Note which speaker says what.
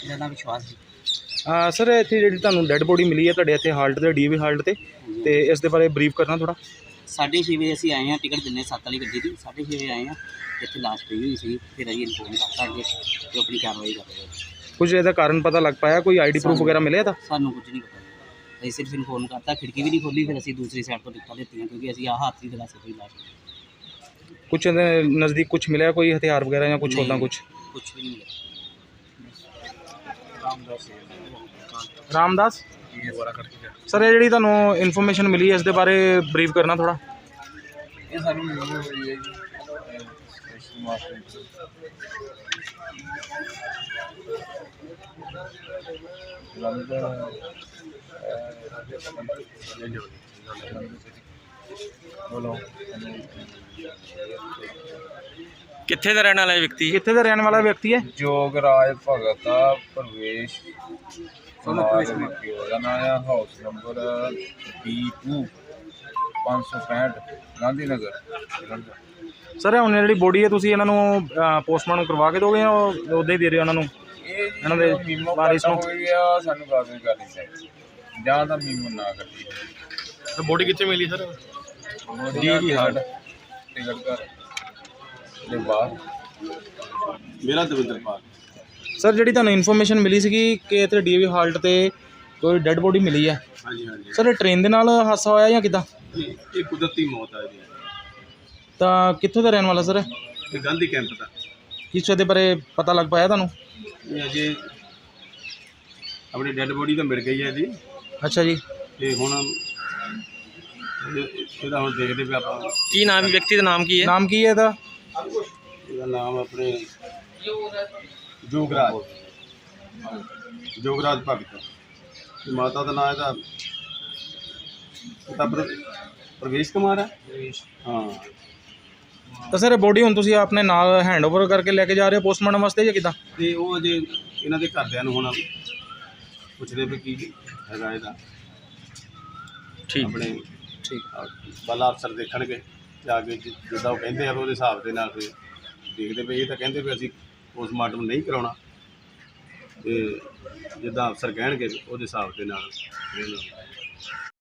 Speaker 1: मेरा नाम विश्वास जी।
Speaker 2: सर इत्थे जिहड़ी तुहानूं डैड बॉडी मिली है तुहाडे इत्थे हाल्ट ते DAV हाल्ट ते इस दे बारे ब्रीफ करना थोड़ा।
Speaker 1: 6:30 बजे ਅਸੀਂ ਆਏ ਹਾਂ, ਟਿਕਟ ਦਿੰਨੇ 7 ਵਾਲੀ ਗੱਡੀ ਦੀ। 6:30 ਵਜੇ ਆਏ ਹਾਂ, ਇੱਥੇ ਲਾਸ਼ ਪਈ ਹੋਈ ਸੀ। ਫਿਰ ਅਸੀਂ ਇਨਫੋਰਮ ਕਰਤਾ ਅੱਗੇ ਤੇ ਆਪਣੀ ਕਾਰਵਾਈ ਕਰ ਰਹੇ ਹਾਂ।
Speaker 2: कुछ ਇਹਦਾ ਕਾਰਨ ਪਤਾ ਲੱਗ ਪਾਇਆ, ਕੋਈ ID ਪ੍ਰੂਫ ਵਗੈਰਾ ਮਿਲਿਆ ਤਾਂ?
Speaker 1: ਸਾਨੂੰ ਕੁਝ ਨਹੀਂ ਪਤਾ, ਅਸੀਂ ਸਿਰਫ ਇਨਫੋਰਮ ਕਰਤਾ। ਖਿੜਕੀ ਵੀ ਨਹੀਂ ਖੋਲੀ, ਫਿਰ ਅਸੀਂ ਦੂਸਰੀ ਸਾਈਡ ਤੋਂ ਟਿਕਟਾਂ ਦਿੱਤੀਆਂ ਕਿਉਂਕਿ ਅਸੀਂ ਆਹ ਹੱਥ ਨਹੀਂ ਦਿਲਾ ਸਕਦੇ ਲਾਸ਼।
Speaker 2: कुछ ਇਹਦੇ ਨਜ਼ਦੀਕ ਕੁਝ ਮਿਲਿਆ, ਕੋਈ ਹਥਿਆਰ ਵਗੈਰਾ ਜਾਂ ਕੁਝ ਉੱਦਾਂ ਕੁਝ?
Speaker 1: ਕੁਝ ਵੀ ਨਹੀਂ ਮਿਲਿਆ।
Speaker 2: ਰਾਮਦਾਸ ਸਰ, ਇਹ ਜਿਹੜੀ ਤੁਹਾਨੂੰ ਇਨਫੋਰਮੇਸ਼ਨ ਮਿਲੀ ਹੈ ਇਸ ਦੇ ਬਾਰੇ ਬਰੀਫ ਕਰਨਾ ਥੋੜਾ।
Speaker 3: ਇਹ ਸਾਨੂੰ ਮਿਲੀ ਹੋਈ ਹੈ ਜੀ ਸਟੇਸ਼ਨ ਮਾਸਟਰ ਬੋਲੋ
Speaker 4: ਕਿੱਥੇ ਦਾ ਰਹਿਣ ਵਾਲਾ ਇਹ ਵਿਅਕਤੀ?
Speaker 2: ਕਿੱਥੇ ਦਾ ਰਹਿਣ ਵਾਲਾ ਵਿਅਕਤੀ ਹੈ?
Speaker 3: ਜੋਗਰਾਜ ਭਗਤ ਆ, ਪ੍ਰਵੇਸ਼ ਉਹਦਾ ਨਾਂ ਆ। House number B2 565 Gandhi Nagar Jalandhar.
Speaker 2: Sir ਹੁਣ ਜਿਹੜੀ ਬੋਡੀ ਹੈ ਤੁਸੀਂ ਇਹਨਾਂ ਨੂੰ ਪੋਸਟਮਾਰਟਮ ਕਰਵਾ ਕੇ ਦੋਗੇ ਜਾਂ ਉੱਦਾਂ ਹੀ ਦੇ ਰਹੇ ਹੋ ਉਹਨਾਂ ਨੂੰ?
Speaker 3: ਇਹ
Speaker 2: ਇਹਨਾਂ ਦੇ
Speaker 3: ਮੀਮੋ
Speaker 2: ਵਾਰਿਸ ਨੂੰ
Speaker 3: ਹੋਈ ਆ, ਸਾਨੂੰ ਕਾਗਜ਼ ਕਰਨੀ ਚਾਹੀਦੀ ਜਾਂ ਤਾਂ ਮੀਮੋ ਨਾ ਕਰਦੀ।
Speaker 4: ਬੋਡੀ ਕਿੱਥੇ ਮਿਲੀ ਸਰ?
Speaker 3: DAV ਹਾਲਟ ਟਿਕਟ ਘਰ ਦੇ ਬਾਹਰ। ਮੇਰਾ ਦਵਿੰਦਰਪਾਲ।
Speaker 2: ਸਰ ਜਿਹੜੀ ਤੁਹਾਨੂੰ ਇਨਫੋਰਮੇਸ਼ਨ ਮਿਲੀ ਸੀਗੀ ਕਿ ਇੱਥੇ DAV ਹਾਲਟ ਤੇ ਕੋਈ ਡੈੱਡ ਬੋਡੀ ਮਿਲੀ ਹੈ,
Speaker 3: ਹਾਂਜੀ ਹਾਂਜੀ,
Speaker 2: ਸਰ ਇਹ ਟ੍ਰੇਨ ਦੇ ਨਾਲ ਹਾਦਸਾ ਹੋਇਆ ਜਾਂ ਕਿੱਦਾਂ?
Speaker 3: ਇਹ ਕੁਦਰਤੀ ਮੌਤ ਆ ਜੀ।
Speaker 2: ਤਾਂ ਕਿੱਥੋਂ ਦਾ ਰਹਿਣ ਵਾਲਾ ਸਰ?
Speaker 3: ਇਹ ਗਾਂਧੀ ਕੈਂਪ ਦਾ।
Speaker 2: ਕਿਸ ਦੇ ਬਾਰੇ ਪਤਾ ਲੱਗ ਪਾਇਆ ਤੁਹਾਨੂੰ?
Speaker 3: ਇਹ ਅਜੇ ਆਪਣੀ ਡੈੱਡ ਬੋਡੀ ਤਾਂ ਮਿਲ ਗਈ ਹੈ ਜੀ,
Speaker 2: ਅੱਛਾ ਜੀ।
Speaker 3: ਤੇ ਹੁਣ ਇਹਦਾ ਹੁਣ ਦੇਖਦੇ ਪਏ ਆਪਾਂ।
Speaker 4: ਕੀ ਨਾਮ ਹੈ ਵਿਅਕਤੀ ਦਾ? ਨਾਮ ਕੀ ਹੈ?
Speaker 2: ਨਾਮ ਕੀ ਹੈ ਇਹਦਾ?
Speaker 3: ਇਹਦਾ ਨਾਮ ਆਪਣੇ ਜੋਗਰਾਜ ਭਗਤ। ਤੇ ਮਾਤਾ ਦਾ ਨਾਮ ਇਹਦਾ ਪ੍ਰਵੇਸ਼ ਕੁਮਾਰ ਹੈ। ਹਾਂ।
Speaker 2: ਤਾਂ ਸਰ ਬੋਡੀ ਹੁਣ ਤੁਸੀਂ ਆਪਣੇ ਨਾਲ ਹੈਂਡਓਵਰ ਕਰਕੇ ਲੈ ਕੇ ਜਾ ਰਹੇ ਹੋ ਪੋਸਟਮਾਰਟਮ ਵਾਸਤੇ ਜਾਂ ਕਿੱਦਾਂ?
Speaker 3: ਤੇ ਉਹ ਅਜੇ ਇਹਨਾਂ ਦੇ ਘਰਦਿਆਂ ਨੂੰ ਹੁਣ ਪੁੱਛਦੇ ਪਏ ਕੀ ਹੈਗਾ ਇਹਦਾ।
Speaker 4: ਠੀਕ
Speaker 3: ਆਪਣੇ
Speaker 2: ਠੀਕ।
Speaker 3: ਬਾਲਾ ਅਫਸਰ ਦੇਖਣਗੇ ਤੇ ਆ ਕੇ ਜਿੱਦਾਂ ਉਹ ਕਹਿੰਦੇ ਆ ਉਹਦੇ ਹਿਸਾਬ ਦੇ ਨਾਲ ਫਿਰ ਦੇਖਦੇ ਪਏ। ਇਹ ਤਾਂ ਕਹਿੰਦੇ ਵੀ ਅਸੀਂ ਪੋਸਟਮਾਰਟਮ ਨਹੀਂ ਕਰਾਉਣਾ, ਤੇ ਜਿੱਦਾਂ ਅਫਸਰ ਕਹਿਣਗੇ ਉਹਦੇ ਹਿਸਾਬ ਦੇ ਨਾਲ